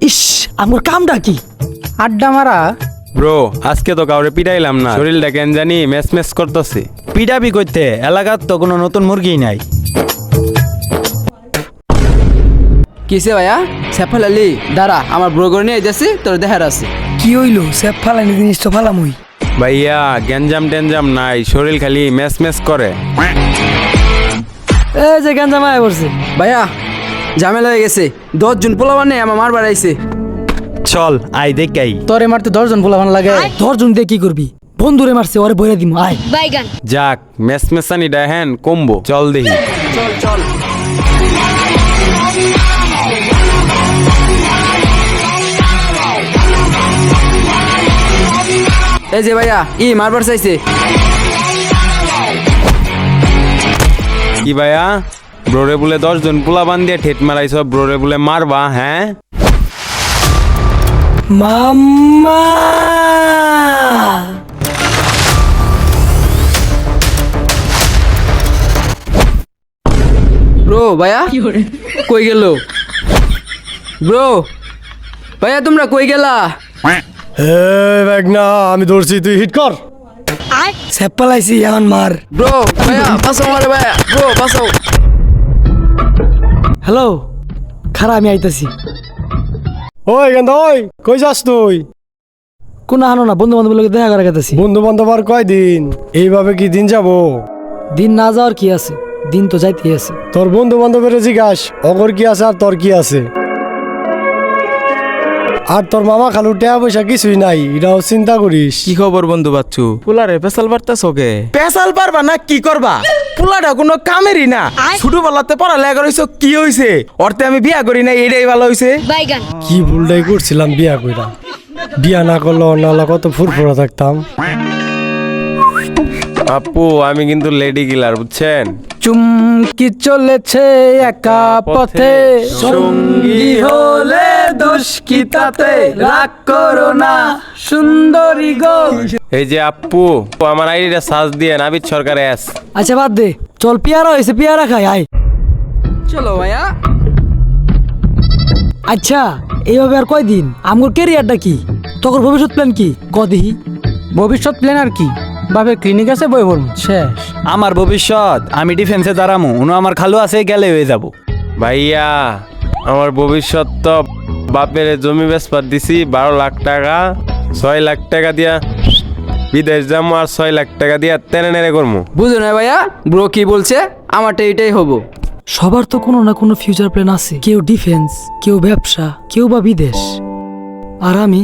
ইস আমার কামটা কি? আড্ডা মারা। ব্রো আজকে তো কাউরে পিটাইলাম না, শরীরটা কেন জানি ম্যাচ ম্যাচ করতেছে। পিটাপি করতে এলাকার তো কোনো নতুন মুরগি নাই। কিসে ভাইয়া স্যাফাল আলী দাঁড়া, আমার ব্রোগর নিয়ে যাচ্ছি, তোর দেখার আছে। কি হইলো? স্যাপ ফালানি জিনিসটা ফালাম হই। ভাইয়া গ্যাঞ্জাম টেনজাম নাই, শরীর খালি ম্যাচ ম্যাচ করে। এই যে গাঞ্জা মায়া পড়ছে। ভাইয়া ঝামেলা হয়ে গেছে, 10 জন পোলাবার নেই আমার মার বাড়াইছে। চল আই দেখাই। তোরে মারতে 10 জন পোলাপান লাগে। 10 জন দিয়ে কি করবি? বন্ধুরে মারছে, ওরে বইরা দিমু। আয় বাইগান যাক ম্যাচ ম্যাচানি দেখেন কমবো, চল দেখি। চল চল। এই যে ভাইয়া মারবার চাইছে। কি ভাইয়া ব্রোরে বলে 10 জন পোলা বান দিয়ে ঠেট মারাইছ, ব্রোরে বলে মারবা? হ্যাঁ মাম্মা। ব্রো ভাইয়া কই গেল? ব্রো ভাইয়া তোমরা কই গেলা? আমি ধরছি, তুই হিট কর। স্যাপ ফালাইছি, এখন মার। ব্রো ভাইয়া বাঁচাও আমারে ভাইয়া, ব্রো বাঁচাও। হ্যালো, খারা আমি আইতাছি। ওই গেন্দা, ওই কই যাস তুই? কোন হানো না, বন্ধু বান্ধবের লোক দেখা করে গেতাছি। বন্ধু বান্ধব আর কয়দিন? এইভাবে কি দিন যাব? দিন না যাওয়ার কি আছে, দিন তো যাইতেই আছে। তোর বন্ধু বান্ধবের জিজ্ঞাস অগর কি আছে আর তোর কি আছে। আর তোর মামা খালু টাকা পয়সা কিছুই নাই, এটাও চিন্তা করিস। কি খবর বন্ধু বাচ্চু? পুলারে পেশাল পারতাছ ওকে? পেশাল পারবা না কি করবা? পুলাটা কোনো কামেরই না। ছোটবেলাতে পড়ালেখা করেছ, কি হইছে? অর্থে আমি বিয়া করি না, এটাই ভালো হইছে। বাইগান কি ভুলটাই করছিলাম বিয়া কইরা। বিয়া না করলে অন্যালা কত ফুরফুরা থাকতাম। আপু আমি কিন্তু লেডি কিলার, বুঝছেন? চুমকি চলেছে একা পথে, সঙ্গী হলে দোষ কি তাতে? রাগ করো না সুন্দরী গো। এই যে আপু আমার আইডিটা সার্চ দিয়ে নাবিদ সরকার এস। আচ্ছা বাদ দে, চল পেয়ারা হয়েছে, পেয়ারা খাই। আয়। চলো ভাইয়া। আচ্ছা এইভাবে আর কয়দিন? আমার ক্যারিয়ারটা কি? তোর ভবিষ্যৎ প্ল্যান কি? কদিহি ভবিষ্যৎ প্ল্যান আর কি? বাবে ক্লিনিক আছে, বই পড়ব, শেষ। আমার ভবিষ্যৎ আমি ডিফেন্সে দাঁড়ামু, উনো আমার খালু আছে, গেলে হয়ে যাব। ভাইয়া আমার ভবিষ্যৎ তো বাপের জমি বেচপার দিছি 12 লাখ টাকা, 6 লাখ টাকা দিয়া বিদেশ যাবো, আর 6 লাখ টাকা দিয়া তেনে নেড়ে করবো। বুঝো না ভাইয়া, ব্রো কি বলছে? আমারটা এটাই হবো। সবার তো কোনো না কোনো ফিউচার প্ল্যান আছে। কেউ ডিফেন্স, কেউ ব্যবসা, কেউ বা বিদেশ। আর আমি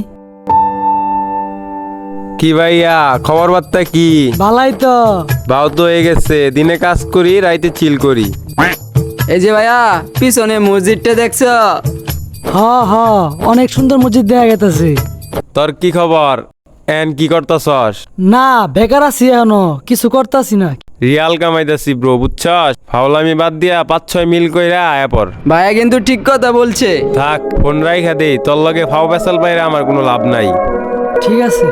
কি ভাইয়া খবর বার্তা কি? বালাই তো। বাউ তো হয়ে গেছে, দিনে কাজ করি রাইতে চিল করি। এই যে ভাইয়া পিছনে মসজিদটা দেখছো? হ হ, অনেক সুন্দর মসজিদ দেখা গেছে। তোর কি খবর? এন কি করতাছস? না বেকার আছি, এখনো কিছু করতাছি না। রিয়াল কামাইতাছি ব্রো, বুঝছস? ফাউলামি বাদ দিয়া 5-6 মিল কইরা আয়া পর। ভাইয়া কিন্তু ঠিক কথা বলছে। থাক ফোন রাইখা দেই, তোর লগে ফাও পেশাল বাইরে আমার কোনো লাভ নাই। ঠিক আছে।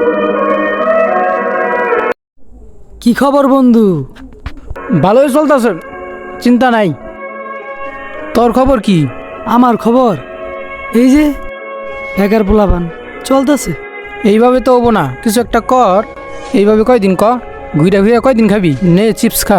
কি খবর বন্ধু? ভালোই চলতেছে, চিন্তা নাই। তোর খবর কি? আমার খবর এই যে বেকার পোলাপান চলতেছে। এইভাবে তো হবো না, কিছু একটা কর। এইভাবে কয়দিন ক, ঘুরে ঘুরে কয়দিন খাবি? নে চিপস খা।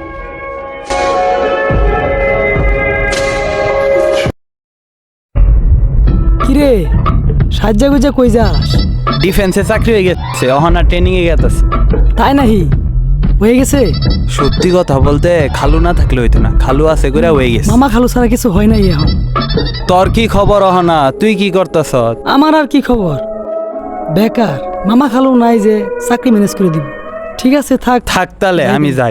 কিরে সাজ্জা গুজা কই যাস? ডিফেন্সে চাকরি হয়ে গেছে, অহনা ট্রেনিং এ গেছে। তাই নাহি? হয়ে গেছে? সত্যি কথা বলতে খালু না থাকলে হইতো না, খালু আছে করে হয়ে গেছে। মামা খালু ছাড়া কিছু হয় নাই এখন। তোর কি খবর অহনা? তুই কি করতেছ? আমার আর কি খবর? বেকার। মামা খালু নাই যে চাকরি ম্যানেজ করে দিব। ঠিক আছে থাক। থাক তাহলে আমি যাই।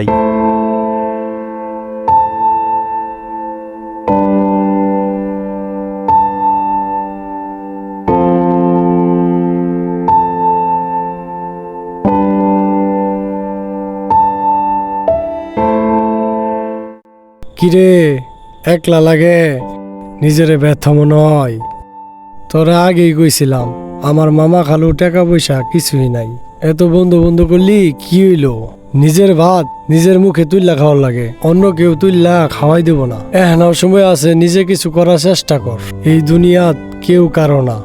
কিরে একলা লাগে, নিজেরে ব্যর্থ মনে হয়। তোরা আগেই কইছিলাম আমার মামা খালু টাকা পয়সা কিছুই নাই। এত বন্ধু বন্ধু করলি কি হইলো? নিজের ভাত নিজের মুখে তুললা খাওয়ার লাগে, অন্য কেউ তুললা খাওয়াই দেব না। এখনো সময় আছে, নিজে কিছু করার চেষ্টা কর। এই দুনিয়াত কেউ কারো না।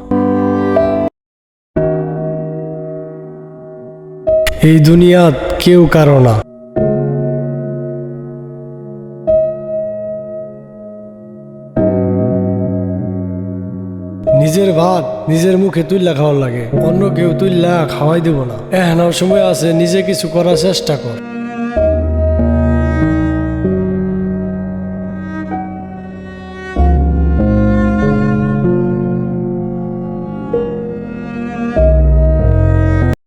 এই দুনিয়াত কেউ কারো না। নিজের ভাত নিজের মুখে তুইলা খাওয়ার লাগে, অন্য কেউ তুইলা খাওয়াই দেব না। এখনো সময় আছে, নিজে কিছু করার চেষ্টা কর।